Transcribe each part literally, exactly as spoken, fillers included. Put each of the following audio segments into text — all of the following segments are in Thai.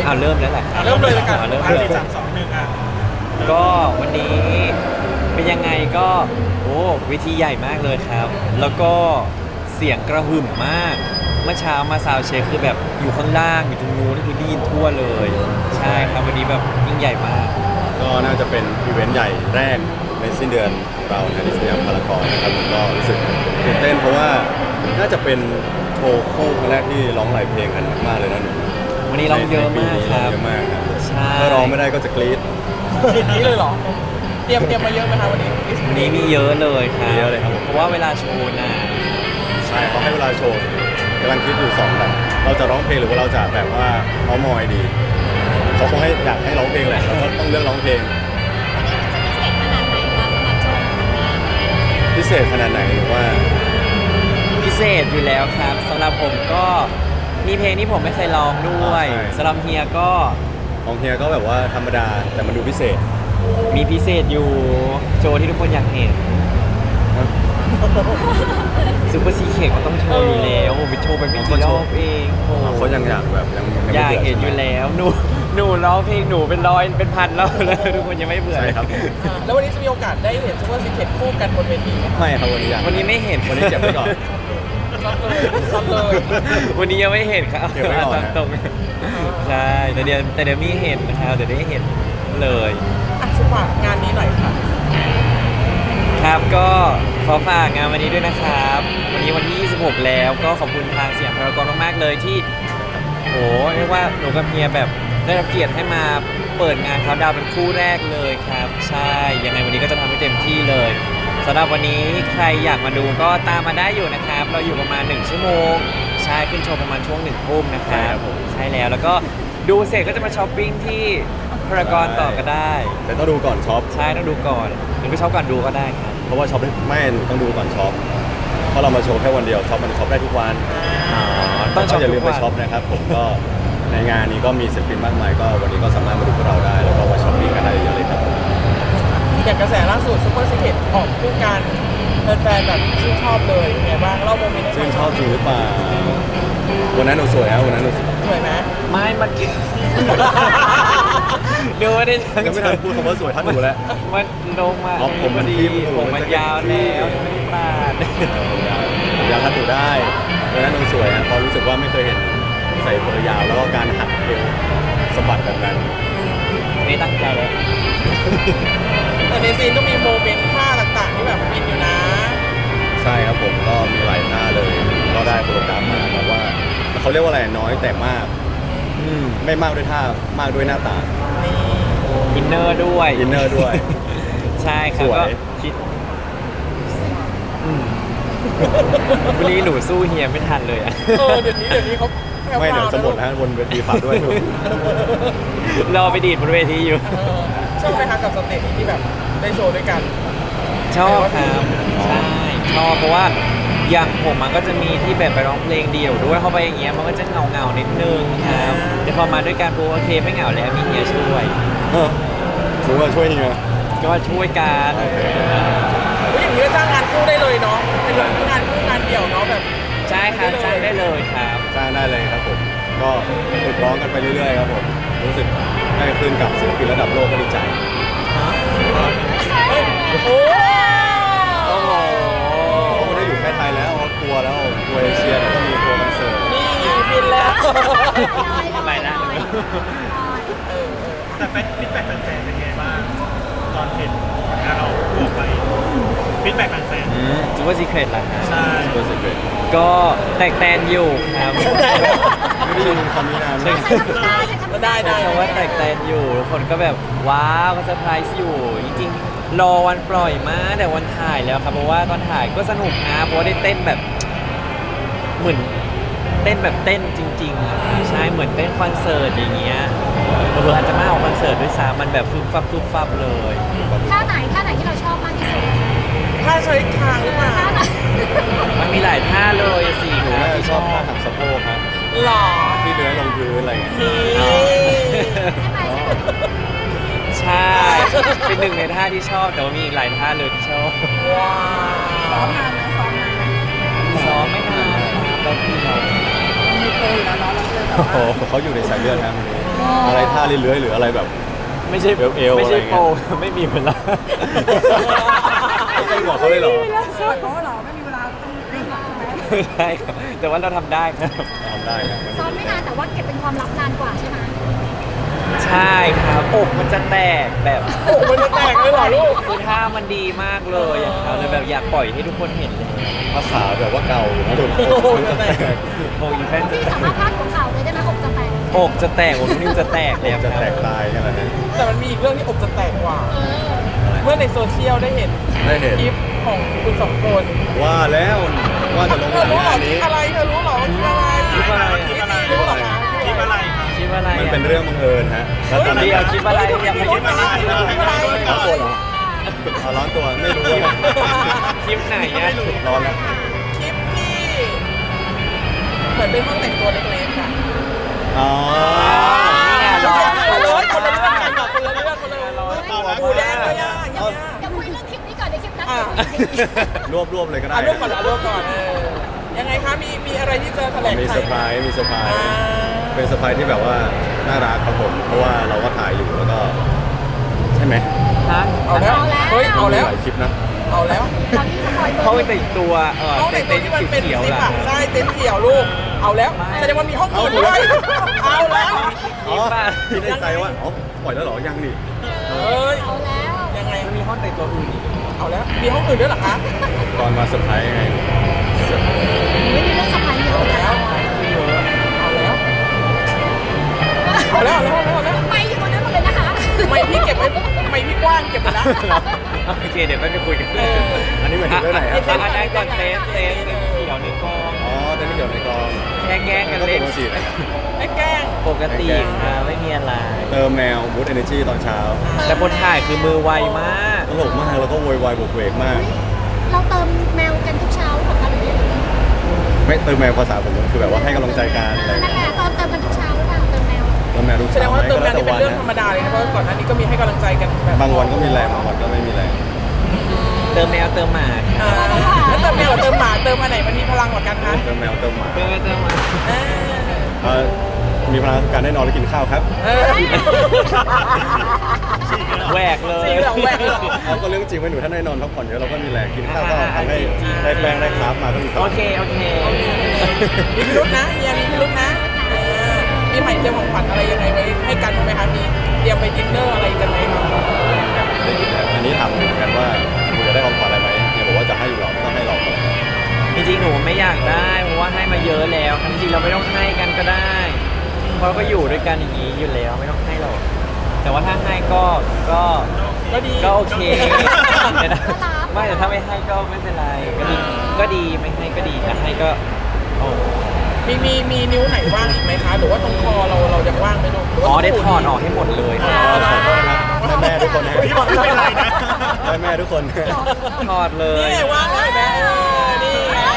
เอาเริ่มแล้วแหละอ่ะเริ่มเลยละกันอาเริ่มห้าเลยสี่สามสองหนึ่งอ่ะก็วันนี้เป็นยังไงก็โอ้เวทีใหญ่มากเลยครับ แล้วก็เสียงกระหึ่มมาก เมื่อเช้ามาซาวด์เช็คคือแบบอยู่ข้างล่างอยู่ตรงนู้นนี่คือได้ยินทั่วเลย ใช่ครับวันนี้แบบยิ่งใหญ่มากก็น่าจะเป็นอีเวนต์ใหญ่แรกในสิ้นเดือนเราในสยามพารากอนนะครับผมก็รู้สึกตื่นเต้นเพราะว่าน่าจะเป็นโชว์คู่ครั้งแรกที่ร้องหลายเพลงกันมากๆเลยนะหนูวันนี้ร้องเยอะมากครับเยอะมากครับใช่ถ้าร้องไม่ได้ก็จะกรี๊ดอย่างนี้เลยเหรอ เตรียมเตรียมมาเยอะไหมคะวันนี้วันนี้มีเยอะเลยครับเยอะเลยครับผมเพราะว่าเวลาโชว์นานใช่เขาให้เวลาโชว์กำลังคิดอยู่สองแบบเราจะร้องเพลงหรือว่าเราจะแบบว่าเมามอยดีเขาคงให้อยากให้ร้องเพลงแหละเราก็ต้องเลือกร้องเพลงพิเศษขนาดไหนหรือว่าพิเศษอยู่แล้วครับสำหรับผมก็มีเพลงที่ผมไม่เคยร้องด้วยใช่สำหรับเฮียก็ของเฮียก็แบบว่าธรรมดาแต่มันดูพิเศษมีพิเศษอยู่โชว์ที่ทุกคนอยากเห็นซูเปอร์ซีเคก็ต้องโชว์อยู่แล้วผมไปโชว์ไปไม่กี่รอบเองโอ้เขายังอยากแบบยังงไม่อยากบื่เห็นอยู่แล้วหนูหนูร้องเพลงหนูเป็นร้อยเป็นพันแล้วแล้วทุกคนยังไม่เบื่อใช่ครับผมอ่าแล้ววันนี้จะมีโอกาสได้เห็นซูเปอร์ซีเคทคู่กันบนเวทีไหมคะไม่ครับวันนี้ยังวันนี้ไม่เห็นวันนี้เก็บไว้ก่อนซัดเลยซัดเลยวันนี้ยังไม่เห็นครับเก็บไว้ก่อนนะตรงๆใช่แต่เดี๋ยวแต่เดี๋ยวมีเห็นนะครับเดี๋ยวได้เห็นเลยอ่ะสุภาพงานนี้หน่อยค่ะครับก็ขอฝากงานวันนี้ด้วยนะครับ วันนี้วันที่ ยี่สิบหก แล้วก็ขอบคุณทางสยามพารากอนมากๆเลยที่โหเรียกว่าหนูกับเฮียแบบได้รับเกียรติให้มาเปิดงานเขาน์ดาวน์เป็นคู่แรกเลยครับ ใช่ยังไงวันนี้ก็จะทำให้เต็มที่เลยสำหรับวันนี้ใครอยากมาดูก็ตามมาได้อยู่นะครับ เราอยู่ประมาณหนึ่งชั่วโมงใช่ขึ้นโชว์ประมาณช่วงหนึ่งทุ่มนะครับใช่แล้วแล้วก็ดูเสร็จก็จะมาช้อปปิ้งที่พารากอนต่อก็ได้แต่ต้องดูก่อนช็อปใช่ต้องดูก่อนหรือไปช็อปก่อนดูก็ได้ครับเพราะว่าช็อปได้ไม่ต้องดูก่อนช็อปเพราะเรามาโชว์แค่วันเดียวช็อปมันช็อปได้ทุกวันต้องช็อปก็อย่าลืมไปทุกวันช็อปนะครับผมก็ในงานนี้ก็มีศิลปินมากมายก็วันนี้ก็สามารถมาดูพวกเราได้ แล้วก็มาช้อปปิ้งกันได้เยอะเลยครับผมอย่างกระแสล่าสุดซูเปอร์ซีเคทออกคู่กันแฟนๆแบบชื่นชอบเลยเป็นไงบ้างเล่าโมเมนต์ให้ซึ่ฟังงชอบจริงหรือเปล่าวันนั้นหนูสวยนะวันนั้นหนูสวยสวยไหมไม่มันดูไม่ได้ทั้งยังไม่ทันพูดคำว่าสวยท่านหนูแล้วมันลงมาอ๋อผมมันดีทิ่มผมมันยาวแล้วไม่ได้ปาดอยากทัดหนูได้วันนั้นหนูสวยนะเพราะรู้สึกว่าไม่เคยเห็นใส่ผมยาวแล้วก็การหัดเอวสะบัดแบบนั้นไม่ตั้งใจเลยแต่ในซีนก็มีโมเมนต์ท่าต่างๆที่แบบฟินอยู่นะใช่ครับผมก็มีหลายท่าเลย ก็ได้โปรแกรมมาแต่ว่าเขาเรียกว่าอะไรน้อยแต่มากอืมไม่มากด้วยท่ามากด้วยหน้าตานี่อินเนอร์ด้วยอินเนอร์ด้วยใช่ครับสวยก็คิดอืมวันนี้หนูสู้เฮียไม่ทันเลยอะเออเดี๋ยวนี้เดี๋ยวนี้เขาแพรวๆไม่เดี๋ยวจะหมดนนะบนเวทีฝากด้วยรอไปดีดบนเวทีอยู่เออชอบไหมคะกับสเตจนี้ที่แบบได้โชว์ด้วยกันชอบครับใช่ชอบเพราะว่าอย่างผมมันก็จะมีที่แบบไปร้องเพลงเดี่ยวด้วยเข้าไปอย่างเงี้ยมันก็จะเงาเงาๆนิดนึงครับแต่พอมาด้วยกันปุ๊บโอเคไม่เหงาแล้วมีเฮียช่วยเออถือว่าช่วยยังไงก็ช่วยกันเฮ้ยอย่างนี้ก็จ้างงานคู่ได้เลยเนาะเป็นแบบงานคู่งานเดี่ยวเนาะแบบใช่ครับจ้างได้เลยครับจ้างได้เลยครับผม ก็ฝึกร้องกันไปเรื่อยๆครับผม รู้สึกได้ขึ้นกับศิลปินระดับโลกก็ดีใจเฮ้ยโอ้โหโอ้โหเขาไม่ได้อยู่แค่ไทยแล้วเขาทัวร์แล้วทัวร์เอเชียแล้วก็มีทัวร์คอนเสิร์ตนี่ฟินแล้วทำไมนะเออแต่ฟีดแบ็กแฟนๆเป็นไงบ้างตอนเห็นผลงานเราออกไปฟีดแบ็กแฟนอืมซูเปอร์ซีเครตล่ะครับๆใช่เบอร์สิบเอ็ดก็แตกแตนอยู่ครับไม่ได้ยินคำนี้นานใช่ได้ได้ใช้คำว่าแตกแตนอยู่ทุกคนก็แบบว้าวก็เซอร์ไพรส์อยู่จริงๆรอวันปล่อยมาแต่วันถ่ายแล้วครับเพราะว่าตอนถ่ายก็สนุกนะเพราะว่าได้เต้นแบบเหมือนเต้นแบบเต้นจริงๆอะใช่เหมือนเต้นคอนเสิร์ตอย่างเงี้ยเผื่อๆอาจจะมากกว่าคอนเสิร์ตด้วยซ้ำมันแบบฟึบฟับฟึบฟับเลยท่าไหนท่าไหนที่เราชอบมากที่สุดถ้าใช้คางหรือเปล่าท่าไหนมันมีหลายท่าเลยสี่หนูท่าน่าจะที่ชชออบบ ท่าหักสะโพกครับหล่อที่เลื้อยลงพื้นอะไรอย่างเงี้ยนี่ใช่ เป็นหนึ่งในท่าที่ชอบแต่ว่ามีอีกหลายท่าเลยที่ชอบว้าซ้อวมนานไหมซ้อมนานไหมซ้อมไม่นานครับแล้วพี่เรามีโปรอยู่แล้วเนาะเราเลยแบบโอ้โหว่าเขาอยู่ในสายเลือดครับอือะไรท่าเลื้อยๆหรืออะไรแบบไม่ใช่เอวๆไม่ใช่อะไรเงี้โปยร ไม่มีเวลาไม่บอกเขาเลยเหรอสวยเพราะว่าเราไม่มีเวลาต้องเร่งหรอกใช่ไหมใช่ครับแต่ว่าเราทำได้ครับทำได้ครับซ้อมไม่นานแต่ว่าเก็บเป็นความลับนานกว่าใช่ไหมใช่ครับอกมันจะแตกแบบโอ้โหมันจะแตกเลยเหรอลูกคือท่ามันดีมากเลยอะครับเลยแบบอยากปล่อยให้ทุกคนเห็นเลยภาษาแบบว่าเก่านะถูกโอ้โหจะแตกโอ้ยแฟนจะพี่สามารถพาดหัวข่าวเลยได้ไหมอกจะแตกอกจะแตกอกนิ้วจะแตกเลยครับจะแตกตายกันแล้วนะแต่มันมีอีกเรื่องที่อกจะแตกกว่าเออเมื่อในโซเชียลได้เห็นได้เห็นคลิปของคุณสองคนว่าแล้วว่าจะลงเธอหนังรู้เหรองานคลินี้ปอะไรเธอรู้เหรอว่าคลิปอะไรคลิปอะไรคลิปอะไรรู้เหรอคะคลิปอะไรคิดว่าอะไรมันอะเป็นเรื่องบังเอิญฮะแล้วตอนนั้นเดี๋ยวคิดว่าอะไรอยากให้คลิคิปดอะไรคลิปอะไรร้อนตัวเหรอเอาร้อนตัวไม่รู้ว่าคลิปไหนอะร้อนแล้วคลิปที่เหมือนเป็นห้องแต่งตัวเล็กๆค่ะอ๋อเนี่ยคนร้อละนเรื่องคนละเรื่องกันแบบคนละเรื่องคนละเรื่องร้อนหมูแดงเลยอ่ะอย่างเงี้ยเดี๋ยวคุยเรื่องคลิปนี้ก่อนเดี๋ยวคลิปนั้นอ่ะเดี๋ยวคุยดีรวบรวบเลยก็ได้อ่ะรวบก่อนอ่ะรวบก่อนเออยังไงคะมีมีอะไรที่จะแถลงมีไขเซอร์ไพรส์มีเซอร์ไพรอ่าส์เป็นเซอร์ไพรส์ที่แบบว่าน่ารักครับผม เพราะว่าเราก็ถ่ายอยู่แล้วก็ ใช่ไหมฮะเอาแล้วเฮ้ยเอาแล้วมีหลายคลิปนะเอาแล้วตอนนี้สปอยเบอร์เขาไปแต่งตัวเออห้องแต่แต่งงตัวเต็นที่มันเป็นท์เขียวซิๆปล่ะอ่ะใช่เต็นท์เขียวลูกเอาแล้วแสดงว่ามีห้องอื่นด้วยเอาแล้วอ๋อคิดในใจว่าอ๋อปล่อยแล้วเหรอยังนี่เฮ้ยเอาแล้วยังไงมันมีห้องแต่งตัวอื่นอีกเอาแล้วมีห้องอื่นด้วยเหรอคะตอนมาเซอร์ไพรส์ไงไม่มีเรื่องสปอยเยอะเหมือนกันเราอะเอาแล้วเอาแล้วเอาแล้วเอาแล้วเอาแล้วไม่อยู่ตรงนั้นหมดเลยนะคะไม่พี่เก็บไว้ไม่พี่กว้างเก็บไว้แล้วโอเคเดี๋ยวไปคุยกันเอออันนี้หมายถึงเรื่องไหนครับอ่ะอันนั้นก่อนเต็นท์เต็นท์เต็นท์เขียวในกองอ๋อเต้นท์เกี่ยวในกองแค่แกล้งกันเล่นก็ปกตินะไอ้แกล้งปกติค่ะไม่มีอะไรเติมแนวบูตเอเนจีตอนเช้าแต่คนถ่ายคือมือไวมากตลกมากแล้วก็โวยวายบวกเวกมากเราเติมแมวกันทุกเช้าเหรอคะหรือยังไงไม่เติมแมวภาษาผมมันคือแบบว่าให้กำลังใจกันอะไรนั่นแหละเติมเติมกันทุกเช้าหรือเปล่าเติมแมวเติมแมวทุกแสดเช้างว่าไหมเติมก็งาแล้วนแต่นี่เป็นวันเรื่องธรรมนะดาเลยนะเพราะก่อนหน้านี้ก็มีให้กำลังใจกันแบบบางวันก็มีแรงบางวันก็ไม่มีแรงเติมแมวเติมหมาอ่าแล้วเติมแมวกับเติมหมาเติมอันไหนมันมีพลังกว่ากันคะเติมแมวเติมหมาเติมแมวเติมหมาเออเอ่อมีพลังการได้นอนและกินข้าวครับเออแหวกเลยจริงเหรอแหวกเหรอเอาก็เรื่องจริงว่าหนูถ้าได้นอนพักผ่อนเยอะเราก็มีแรงกินข้าวก็ทำให้ได้แป้งได้คาร์บมาก็มีพโอลังเคโอเคมีพิรุษนะเฮียมีพิรุษนะเออมีใหม่เตรียมของขวัญอะไรยังไงไว้ให้กันบ้างไหมคะมีเตรียมไปดินเนอร์อะไรกันไหมคะได้ยินแล้วอันนี้ถามเหมือนกันว่าหนูจะได้ของขวัญอะไรไหมเนี่ยบอกว่าจะให้อยู่หรอกต้องให้เราก่อนจริงๆหนูไม่อยากได้เพราะว่าให้มาเยอะแล้วจริงๆเราไม่ต้องให้กันก็ได้ เพราะก็อยู่ด้วยกันอย่างนี้อยู่แล้วไม่ต้องให้หรอกแต่ว่าถ้าให้ก็ก็ก็ดีก็โอเคแต่ถ้าไม่แต่ถ้าไม่ให้ก็ไม่เป็นไรก็ดีก็ดีไม่ให้ก็ดีแต่ให้ก็โอ้มีมีมีนิ้วไหนว่างอีกไหมคะหรือว่าตรงคอเราเรายังว่างไหมลูกหรือว่าอ๋อได้ตรงถหูอดออกให้หมดเลยอ๋อขอโทษนะครับแม่ๆทุกคนนะพี่บอกไม่เป็นไรนะแม่ๆทุกคนถอดเลยนี่ไงว่างแล้วเห็นไหมเออนี่ไง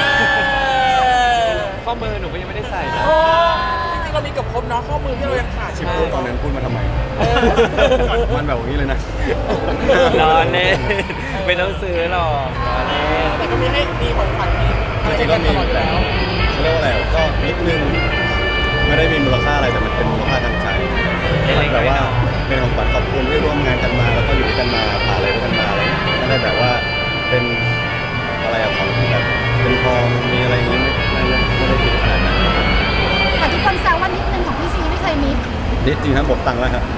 ข้อมือหนูก็ยังไม่ได้ใส่นะโอ้จริงๆเรามีเกับครบเนาะข้อมือที่เรายังขาดชิใช่ปไหมพูดตอนนั้นพูดมาทำไมเออมันแบบนี้เลยนะรอเล่นไม่ต้องซื้อหรอกรอเล่นแต่ก็มีให้มีของขวัญมีอะไรจริให้งๆกัก็นตมีลอดอยู่แบแล้วบเขาเรียกว่าอะไรก็นิดนึงไม่ได้มีมูลค่าอะไรแต่มันเป็นมูลค่าทางใจมันแบบว่าเป็นของขวัญขอบคุณที่ร่วมงานกันมาแล้วก็อยู่ด้วยกันมาผ่านอะไรด้วยกันมาอะไรอย่างเงี้ยไม่ได้แบบว่าเป็นอะไรอะของที่แบบเป็นทองมีอะไรอย่างงี้ไม่ไม่ไม่ได้คิดขนาดนั้นแต่ทุกคนแซวว่านิดนึงของพี่ซีไม่เคยมิดนิดจริงครับหมดตังค์แล้วครับ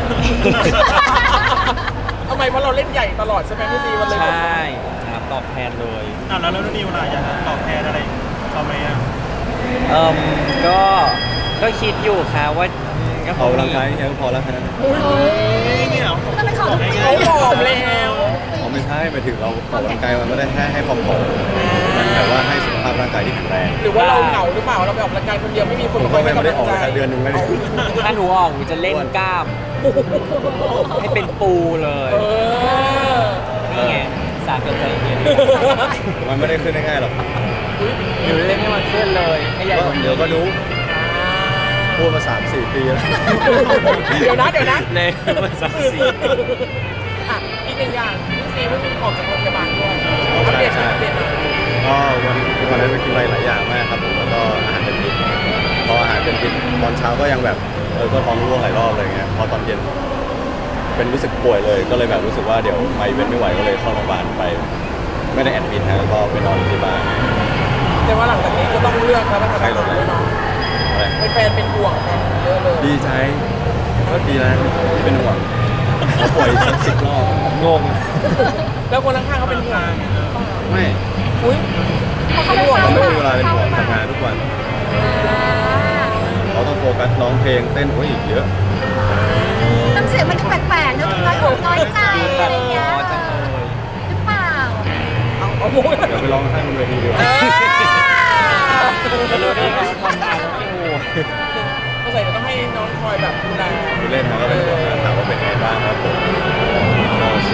ทำไมเพราะเราเล่นใหญ่ตลอดใช่ไหมพี่ซีวันเลยใช่ครับตอบแทนเลยอ่ะแล้วแล้วนิวล่ะอยากจะตอบแทนอะไรเขาไหมอ่ะเอิมก็ก็คิดอยู่ค่ะว่าอืมก็คออกงกำลัมีงกายแค่นั้นพอแล้วแค่นั้นนี่เหรอต้องไปขอทุกปีเขาผอมแล้วอ๋อไม่ใช่ไปถึงเราออกกำลังกายมันไม่ได้แค่ให้ความผอมมันแบบว่าให้สุขภาพร่างกายที่แข็งแรงหรือว่าเราเหงาหรือเปล่าเราไปออกกำลังกายคนเดียวไม่มีคนผมคก็อยให้ไม่กำได้ลังออกใจเลยครับเดือนหนึงไม่ได้ถ้าหนูออกหนูจะเล่นกล้าม ให้เป็นปูเลยเออนี่ไงสากลใจเย็นมันไม่ได้ขึ้นง่ายๆหรอกหนูเล่นให้มันขึ้นเลยให้ใหญ่ก็กว่านี้เดี๋ยวก็รู้พูดมาสามสี่ปีแล้วเดี๋ยวนะเดี๋ยวนะเลยมันสักสี่อ่ะอีกหนึ่งอย่างพี่ซีเพิ่งออกจากโรงพยาบาลด้วยอัปเดตหน่อยอัปเดตหน่อยก็วันวันนั้นไปกินอะไรหลายอย่างมากครับผมแล้วก็อาหารเป็นพิษพออาหารเป็นพิษตอนเช้าก็ยังแบบอก็ท้องร่วงหลายรอบอะไรเงี้ยพอตอนเย็นเป็นรู้สึกป่วยเลยก็เลยแบบรู้สึกว่าเดี๋ยวไปเว้นไม่ไหวก็เลยเข้าโรงพยาบาลไป ไม่ได้แอดมิทนะแล้วก็ไปนอนอยู่ที่บ้านแต่ว่าหลังจากนี้ก็ต้องเลือกแล้วว่าทำอะไรด้วยเนาะอะไรเป็นแฟนเป็นห่วงกันเยอะเลยดีใจก็ดีแล้วที่เป็นห่วงเขาป่วยสักสิบรอบงงแล้วคนข้างๆเขาเป็นห่วงไม่อุ้ยเขาเป็นไม่ห่วงฟังเขาเลไม่ยมีเวลาเป็นห่วงทำงานทุกวันเขาต้องโฟกัสร้องเพลงเต้นโอ้ยอีกเยอะน้ำเสียงมันแปลกๆนะน้อยอกน้อยใจอะไรเงี้ยหรือเปล่าเอาเอาโม้ยเดี๋ยวไปร้องให้มันเวทีดีกว่าไม่รู้ได้ไงว่าทำงานแล้วไม่โอ้ก็ใส่จะต้องให้น้องคอยแบบดูแลดูเล่นนะก็เป็นห่วงนะถามว่าเป็นไงบ้างครับผมก็สิ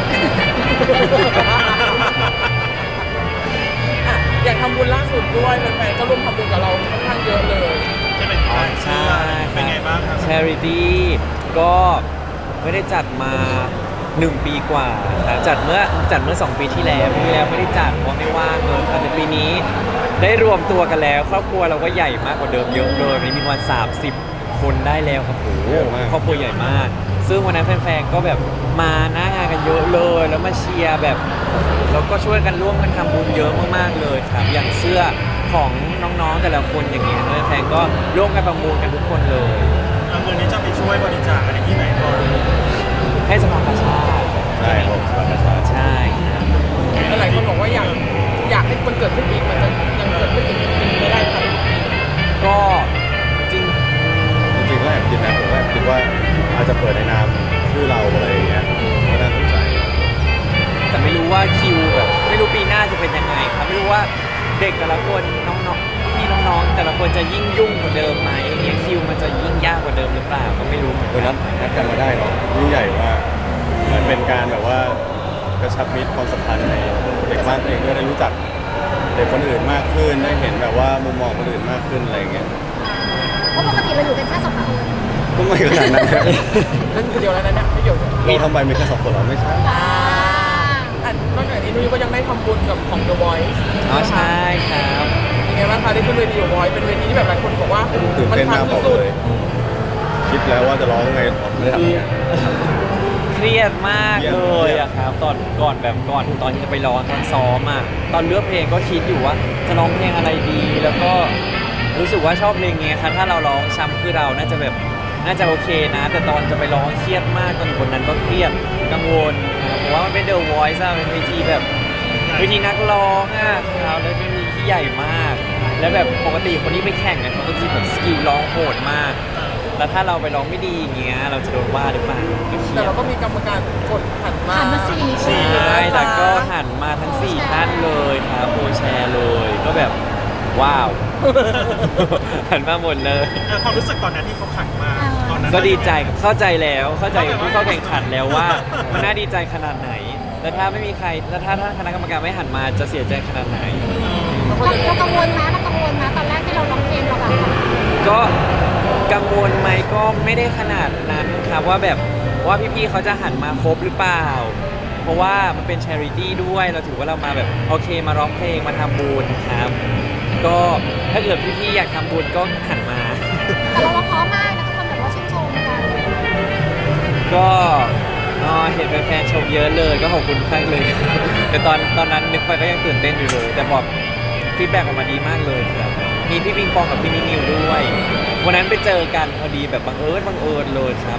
อ่ะอย่างทำบุญล่าสุดด้วยแฟนๆก็ร่วมทำบุญกับเราค่อนข้างเยอะเลยจะเป็นการเชื่อเป็นไงบ้างครับ Charity ก็ไม่ได้จัดมาหนึ่งปีกว่าครับจัดเมื่อจัดเมื่อสองปีที่แล้วปีที่แล้วไม่ได้จัดเพราะไม่ว่างเลยครับแต่ปีนี้ได้รวมตัวกันแล้วครอบครัวเราก็ใหญ่มากกว่าเดิมเยอะเลยวันนี้มีวันสามสิบคนได้แล้วครับโอ้โหครอบครัวใหญ่มาก ซึ่งวันนั้นแฟนๆก็แบบมาหน้างานกันเยอะเลยแล้วมาเชียร์แบบแล้วก็ช่วยกันร่วมกันทำบุญเยอะมากๆเลยครับอย่างเสื้อของน้องๆแต่ละคนอย่างเงี้ยแฟนๆก็ร่วมกันประมูลกันทุกคนเลยเอาเงินนี้จะไปช่วยบริจาคอะไรที่ไหนก่อนให้สภากาชาติใช่ผมสวัสดีครับใช่ครับหลายคนบอกว่าอยากอยากให้มันเกิดขึ้นอีกมันจะยังเกิดขึ้นอีกเป็นไม่ได้ครับก็จริงจริงๆก็แอบคิดนะผมก็แอบคิดว่าอาจจะเปิดในนามชื่อเราอะไรอย่างเงี้ยก็น่าสนใจแต่ไม่รู้ว่าคิวแบบไม่รู้ปีหน้าจะเป็นยังไงครับไม่รู้ว่าเด็กแต่ละคนน้องๆพี่น้องๆแต่ละคนจะยิ่งยุ่งกว่าเดิมไหมอย่างเงี้ยคิวมันจะยิ่งยากกว่าเดิมหรือเปล่าก็ไม่รู้เหมือนเออกันันดนัดกันมาได้เนาะยิ่งใหญ่มากเหมือนเป็นการแบบว่ากระชับมิตรความสัมพันธ์ในเด็กบ้านตัวเองด้วยได้รู้จักเด็กคนอื่นมากขึ้นได้เห็นแบบว่ามุมมองคนอื่นมากขึ้นอะไรอย่างเงี้ยเพราะปกติเราอยู่กันแค่สองคนก็ไม่ขนาดนั้นนะนั่นคนเดียวแล้วนะเนี่ยไม่เกี่ยวกับเราทำไปมีแค่สองคนเหรอไม่ใช่อ่าอ่ะนอกจากนี้นุ้ยก็ยังได้ทำบุญกับของ The Voice อ๋อใช่ครับยังไงบ้างคะได้ขึ้นเวที The Voice เป็นเวทีที่แบบหลายคนบอกว่าตื่นเต้นมากบอกสุดเลย คิดแล้วว่าจะร้องไงไม่ได้ทำอย่างเงี้ยเครียดมากเครียดเลยอะครับตอนก่อนแบบก่อนตอนที่จะไปร้องตอนซ้อมอะตอนเลือกเพลงก็คิดอยู่ว่าจะร้องเพลงอะไรดี แล้วก็รู้สึกว่าชอบเพลงเงี้ยครับถ้าเราร้องช้ำคือเราน่าจะแบบน่าจะโอเคนะ แต่ตอนจะไปร้องเครียดมากตอนอยู่บนนั้นก็เครียดกังวลครับเพราะว่ามันเป็น The Voice อะเป็นเวทีแบบเวทีนักร้องอะครับแล้วเป็นเวทีที่ใหญ่มาก แล้วแบบปกติคนที่ไปแข่งกันเขาก็จะแบบสกิลร้องโหดมาก แล้วถ้าเราไปร้องไม่ดีอย่างเงี้ยเราจะโดนว่าหรือเปล่าก็เครีแต่ยดเราก็มีกรรมการกดหันมาผ่านมาสี่ใช่แต่ก็หันมาทั้งสี่ท่านเลยครับโปรแชร์เลย ก็แบบว้าว หันมาหมดเลยเออความรู้สึกตอนนั้นที่เขาขันมาตอนนั้นก็ดีใจเข้าใจแล้ว เข้าใจกับผู้เข้าแข่งขันแล้วว่า มันน่าดีใจขนาดไหน แล้วถ้าไม่มีใคร แล้วถ้าท่านคณะกรรมการไม่หันมาจะเสียใจขนาดไหนเราเรากังวลไหมเรากังวลไหมตอนแรกที่เราร้องเพลงเราแบบก็กังวลไหมก็ไม่ได้ขนาดนั้นครับว่าแบบว่าพี่ๆเขาจะหันมาครบหรือเปล่า เพราะว่ามันเป็น charity ด้วยเราถือว่าเรามาแบบโอเคมาร้องเพลงมาทำบุญครับ ก็ถ้าเกิดพี่ๆอยากทำบุญก็หันมาแต่เราร้องเพราะมากนะทุกคนแบบว่าชื่นชมกันก็อ๋อเห็นแฟนๆชมเยอะเลยก็ขอบคุณมากเลย แต่ตอนตอนนั้นนึกไปก็ยังตื่นเต้นอยู่เลย แต่บอกฟีดแบ็กออกมาดีมากเลยครับ มีพี่ปิงปองกับพี่นินิวด้วย วันนั้นไปเจอกันพอดีแบบบังเอิญบังเอิญเลยครับ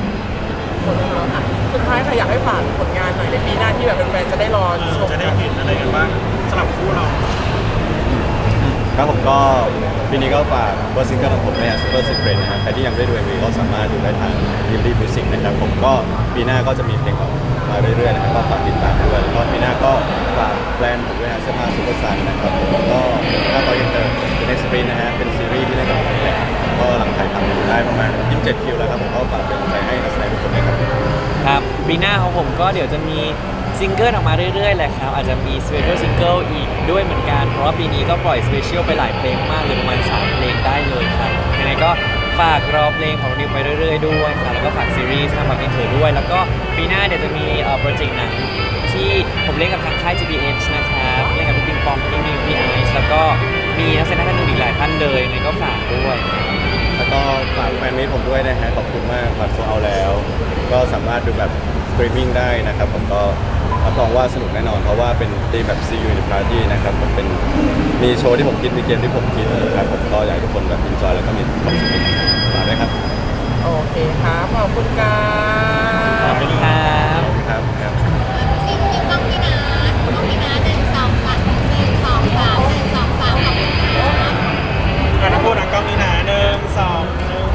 สุดท้ายค่ะอยากให้ฝากผลงานหน่อยในปีหน้าที่แบบแฟนๆจะได้รอเอชอมจะได้กันเห็นอะไรกันบ้างสำหรับคู่เราครับผมก็ปีนี้ก็ฝากเบอร์ซิงเกิลของผมเนี่ย Super Secret นะครับใครที่ยังไม่ได้ดู เอ็ม วี ก็สามารถดูได้ทาง d ิ m ี Music นะครับผมก็ปีหน้าก็จะมีเพลงออกมาเรื่อยๆนะครับก็ฝากติดตามด้วยแล้วก็ปีหน้าก็ฝากแบรนด์ผมด้วยนะเสื้อผ้าซูเปอร์ซันนะครับผมแล้วก็ถ้าต่อยังเติมเป็น Next Sprint นะฮะเป็นซีรีส์ที่เล่นกับผมเนี่ยก็กำลังถ่ายทำอยู่ได้ประมาณยี่สิบเจ็ดคิวแล้วครับผมก็ฝากเป็นกำลังใจให้นักแสดงทุกคนด้วยครับครับปีหน้าของผมก็เดี๋ยวจะมีซิงเกิลออกมาเรื่อยๆแหละครับอาจจะมีสเปเชียลซิงเกิลอีกด้วยเหมือนกันเพราะว่าปีนี้ก็ปล่อยสเปเชียลไปหลายเพลงมากเลยประมาณสามเพลงได้เลยครับยังไงก็ฝากรอเพลงของนิวไปเรื่อยๆด้วยครับแล้วก็ฝากซีรีส์ทางบักอินเทอร์ด้วย แล้วก็ปีหน้าเดี๋ยวจะมีเอ่อโปรเจกต์หนังที่ผมเล่นกับทางค่าย จี บี เอช นะครับเล่นกับพี่ปิงปองพี่นิวพี่ไอซ์แล้วก็มีนักแสดงท่านอื่นอีกหลายท่านเลยยังไงก็ฝากด้วยแล้วก็ฝากแฟนมิตรผมด้วยนะฮะขอบคุณมากบัตรโซเอาแล้ว ก็สามารถดูแบบสตรีมมิ่งได้นะครับผมก็รับรองว่าสนุกแน่นอน เพราะว่าเป็นธีมแบบ See You in the Party นะครับผมเป็นมีโชว์ที่ผมคิดมีเกมที่ผมคิดนะครับผมก็อยากให้ทุกคนแบบอินจอยแล้วก็มีความสุขฝากด้วยครับโอเคครับขอบคุณครัขอบบ คุณครับครับครับซีรีส์ต้องพี่นะต้องพี่นะหนึ่งสองสามหนึ่งสองสามหนึ่งสองสามขอบคุณค่ะอ่ะน้ำพูดอ่ะกล้องนี้นะหนึ่งสองหนึ่ง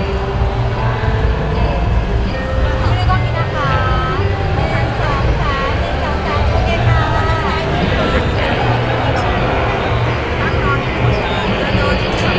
ซีรีส์ต้องพี่นะคะหนึ่งสองสามหนึ่งสองสามโอเคค่ะตั้งนอนโดนที่สอง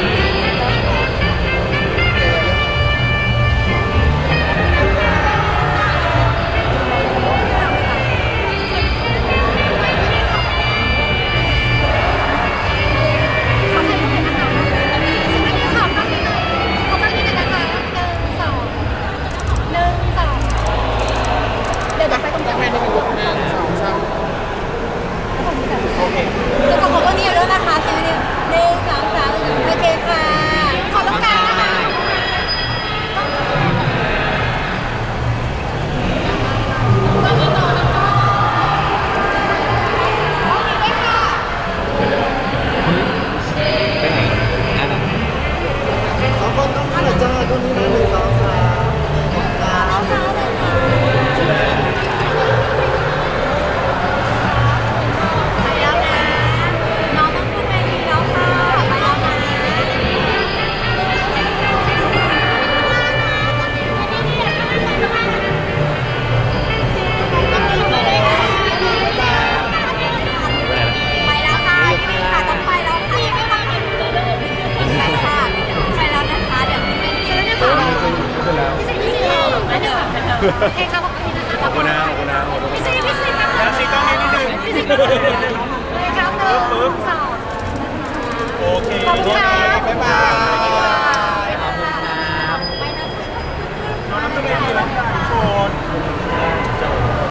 ขอถ่ายรูปหน่อยนะคะซีรีส์ขอบคุณค่ะขอบคุณที่ไหนนะคะหนึ่งสองหนึ่งสองเดี๋ยวเดี๋ยวไปตรงกลางแม่นี่เป็นลูกหนึ่งสองสามโอเคเดี๋ยวขอขอบคุณนิวด้วยนะคะซีรีส์หนึ่งสองสามโอเคค่ะ ขอตรงกลางนะคะตอนนี้ต่อนะคะโอเคได้ค่ะไปไหนอ่ะสองคนต้องมาหน่อยจ้าตรงนี้นะหนึ่งสองสามครับเช้าเลยค่ะไปแล้วนะน้องต้องขึ้นเวทีแล้วค่ะไปแล้วนะไปแล้วค่ะพี่ค่ะต้องไปแล้วค่ะไม่มาไม่รู้เลยไปค่ะไปแล้วนะคะเดี๋ยวขึ้นเวทีแล้วนะคะพี่สิพี่สิไม่เดี๋ยวโอเคค่ะขอบคุณนะคะขอบคุณนะขอบคุณนะขอบคุณพี่สิพี่สินะคะแล้วซีกล้องนี้นิดนึงพี่สิเลยครับหนึ่งสองโอเคขอบคุณค่ะ